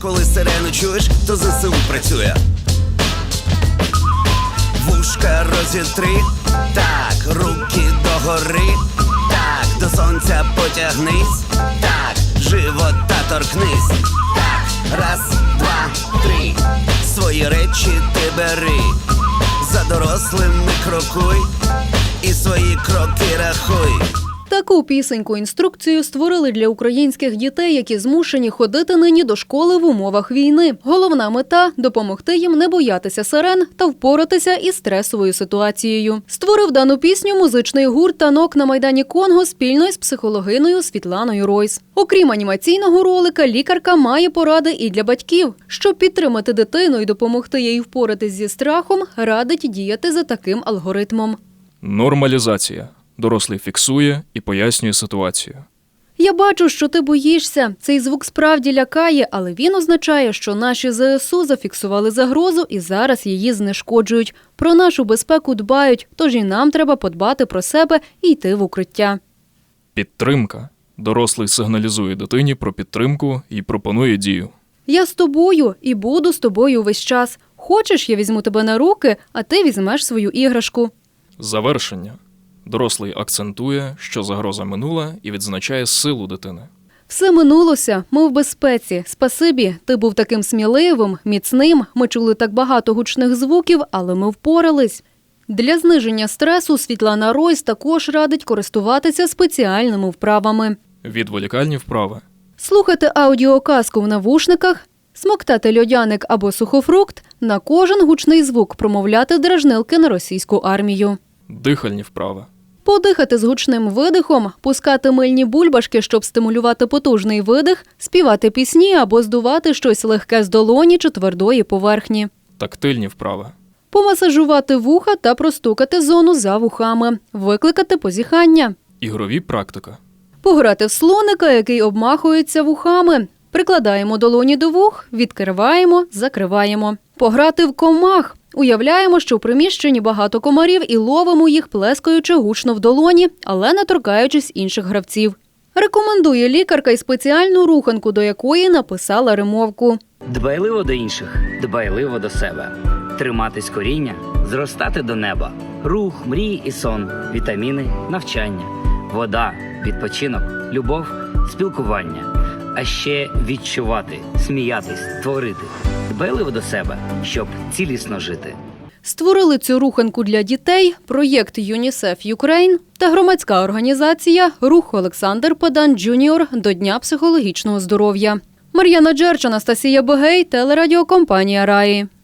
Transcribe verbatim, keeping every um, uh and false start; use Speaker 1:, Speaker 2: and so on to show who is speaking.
Speaker 1: коли сирену чуєш, то ЗСУ працює. Вушка розітри, так, руки догори, так, до сонця потягнись, так, живота торкнись, так, раз, два, три, свої речі ти бери, за дорослими крокуй і свої кроки рахуй.
Speaker 2: Таку пісеньку-інструкцію створили для українських дітей, які змушені ходити нині до школи в умовах війни. Головна мета – допомогти їм не боятися сирен та впоратися із стресовою ситуацією. Створив дану пісню музичний гурт «Танок» на Майдані Конго спільно із психологиною Світланою Ройс. Окрім анімаційного ролика, лікарка має поради і для батьків. Щоб підтримати дитину і допомогти їй впоратись зі страхом, радить діяти за таким алгоритмом.
Speaker 3: Нормалізація. Дорослий фіксує і пояснює ситуацію.
Speaker 2: Я бачу, що ти боїшся. Цей звук справді лякає, але він означає, що наші ЗСУ зафіксували загрозу і зараз її знешкоджують. Про нашу безпеку дбають, тож і нам треба подбати про себе і йти в укриття.
Speaker 3: Підтримка. Дорослий сигналізує дитині про підтримку і пропонує дію.
Speaker 2: Я з тобою і буду з тобою весь час. Хочеш, я візьму тебе на руки, а ти візьмеш свою іграшку.
Speaker 3: Завершення. Дорослий акцентує, що загроза минула, і відзначає силу дитини.
Speaker 2: Все минулося, ми в безпеці. Спасибі, ти був таким сміливим, міцним, ми чули так багато гучних звуків, але ми впорались. Для зниження стресу Світлана Ройс також радить користуватися спеціальними вправами.
Speaker 3: Відволікальні вправи.
Speaker 2: Слухати аудіоказку в навушниках, смоктати льодяник або сухофрукт, на кожен гучний звук промовляти дражнилки на російську армію.
Speaker 3: Дихальні вправи.
Speaker 2: Подихати з гучним видихом, пускати мильні бульбашки, щоб стимулювати потужний видих, співати пісні або здувати щось легке з долоні чи твердої поверхні.
Speaker 3: Тактильні вправи.
Speaker 2: Помасажувати вуха та простукати зону за вухами, викликати позіхання.
Speaker 3: Ігрові практика.
Speaker 2: Пограти в слоника, який обмахується вухами. Прикладаємо долоні до вух, відкриваємо, закриваємо. Пограти в комах. Уявляємо, що в приміщенні багато комарів і ловимо їх, плескаючи гучно в долоні, але не торкаючись інших гравців. Рекомендує лікарка й спеціальну руханку, до якої написала римовку.
Speaker 4: Дбайливо до інших, дбайливо до себе. Триматись коріння, зростати до неба. Рух, мрії і сон, вітаміни, навчання. Вода, відпочинок, любов, спілкування. А ще відчувати, сміятись, творити. Дбайливо до себе, щоб цілісно жити.
Speaker 2: Створили цю руханку для дітей проєкт ЮНІСЕФ Юкрейн та громадська організація «Рух Олександр Педан Джуніор до Дня психологічного здоров'я». Мар'яна Джерч, Анастасія Бегей, телерадіокомпанія «Раї».